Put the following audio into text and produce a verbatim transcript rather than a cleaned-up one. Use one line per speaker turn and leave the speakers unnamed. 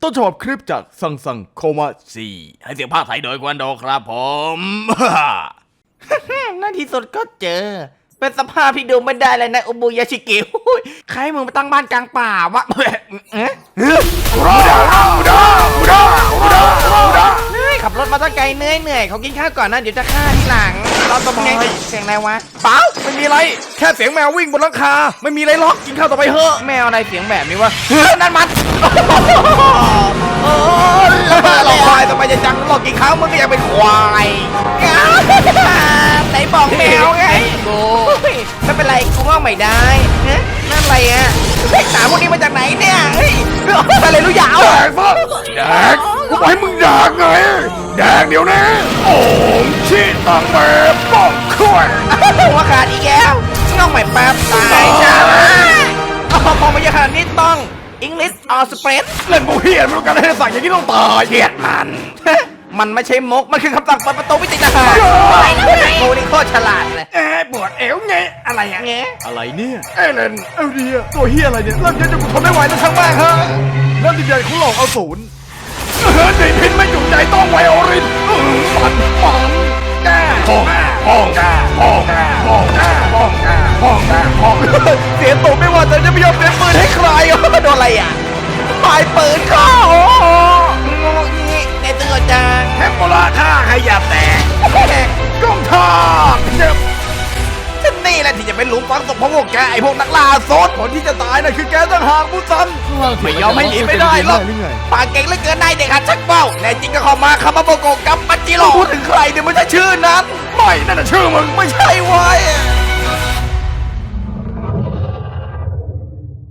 ต้นฉบับคลิปจากซังซังโคมาซีให้เสียงภาคไทยโดยควันโดครับผม
ในที่สุดก็เจอเป็นสภาพที่ดูไม่ได้เลยนะอุบุยาชิกิใครมึงไปตั้งบ้านกลางป่าวะเอ๊ะ
อุดาอุดาอุดาอุดาอุดา
เหนื่อยขับรถมาตั้งไกลเหนื่อยเหนื่อยเขากินข้าวก่อนนะเดี๋ยวจะฆ่าทีหลังเราต้องไงเสียงอะไรวะ
เปล่าไม่มีอะไรแค่เสียงแมววิ่งบนหลังคาไม่มีอะไรหรอกกินข้าวต่อไปเถอะ
แมวอะไรเสียงแบบนี้วะนั่นมันโอ้แล้วมาหลอกควายทำไมจะจังหลอกกี่ครั้งมึงก็ยังเป็นควายไหนบอกแมวไงกูไม่เป็นไรกูว่าไม่ได้นั่นอะไรอ่ะเด็กสาวพวกนี้มาจากไหนเนี่ยเฮ้ยอะไรรู้ยาว
แดกซะแดกกูบอกให้มึงแดกไงแดกเดี๋ยวนี้โอ้มชิตังเมป้องคุย
หัวขาดอีกแล้วน้องใหม่แป๊บตายจ้าพอพอมาเยอะขนาดนี้ต้องอังกฤษออสเปรส
เล่นบูเฮียนมันการให้สั่งอย่างนี้ต้องตายเฮียมัน
มันไม่ใช่มกมันคือคำสั่งเปิดประตูวิติทหารไอ้กูนี่โคตรฉลาดเลย
เอ๊ะปวดเอวไงอะไรอ่ะ
เงี้ย
อะไรเนี่ยเอเลนเอลเดียตัวเฮียอะไรเนี่ยเริ่มเยอะจนกูทนไม่ไหวแล้วช่างแม่งฮะเริ่มดินใหญ่ของหลอกเอาศูนย์เฮ้ยใจพินไม่จุใจต้องไวโอรินปันปันแก่ห้องห้องห้องห้องห้องห้องห้องเสียตัวไม่ว่าแต่จะไม่ยอมเสียปืนให้ใคร
โดนอะไรอ่ะปลายปืนเข้างูงี้ในตัวจัง
แฮมโบราค่าขยับแตกก้องทางเจ็บ
ฉันนี่แหละที่จะเป็นหลุมฝังศพของพวกแกไอ้พวกนักล่าโซด
คนที่จะตายน่ะคือแกต่างหากผู้ซันไม่ยอมให้หนีไม่ได้หรอก
ปากเก่งเหลือเกินนายเด็กหัดชักเบ้าแน่จริงก็เข้ามาคามาโบโกะกับปัจจิโร่พูดถึงใครเนี่ยไม่ใช่ชื่อนั้น
ไม่นั่นน่ะชื่อมึง
ไม่ใช่ไว้